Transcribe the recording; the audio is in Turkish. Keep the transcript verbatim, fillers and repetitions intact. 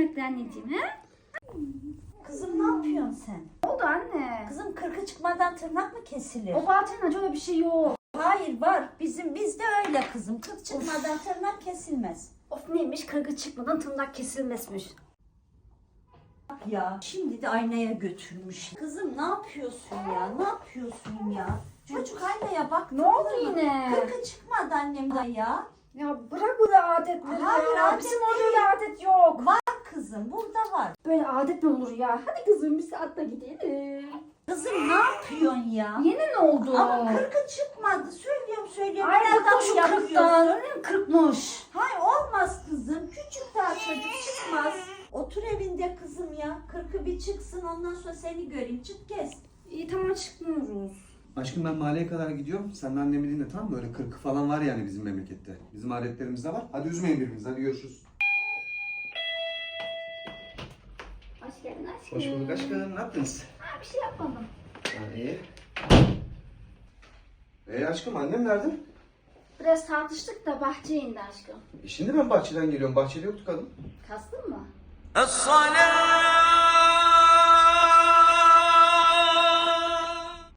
bekle anneciğim he? Kızım ne yapıyorsun sen? Ne oldu anne? Kızım kırkı çıkmadan tırnak mı kesilir? O Bahattin öyle bir şey yok. Hayır var. Bizim bizde öyle kızım. Kırk çıkmadan tırnak kesilmez. Of neymiş kırkı çıkmadan tırnak kesilmezmiş. Ya şimdi de aynaya götürmüş. Kızım ne yapıyorsun ya? Ne yapıyorsun ya? Çocuk aynaya bak. Ne oldu yine? Kırkı çıkmadı annemden ya. Ya bırak böyle adetleri Hayır, ya. adet Bizim orada değil. öyle adet yok. Var kızım burada var. Böyle adet mi olur ya? Hadi kızım bir saatte gidelim. Kızım ne yapıyorsun ya? Yine ne oldu? Ama kırkı çıkmadı. Söylüyorum söylüyorum. Ay Nereden bıkmış o yapıyorsun? kırktan. Öyle mi kırkmış? Hayır olmaz kızım. Küçük daha çocuk çıkmaz. Otur evinde kızım ya. Kırkı bir çıksın ondan sonra seni göreyim. Çık kes. İyi tamam çıkmıyoruz. Aşkım ben mahalleye kadar gidiyorum. Sen de annemi dinle tamam mı? Böyle kırkı falan var yani bizim memlekette. Bizim adetlerimizde var. Hadi üzmeyin birbirinizi. Hadi görüşürüz. Hoş geldin aşkım. Hoş bulduk aşkım. Ne yaptınız? Ha, bir şey yapmadım. Ha, iyi. Ee aşkım annem nerede? Biraz tartıştık da bahçeye indi aşkım. E şimdi ben bahçeden geliyorum. Bahçede yoktu kadın. Kastın mı? الصلاة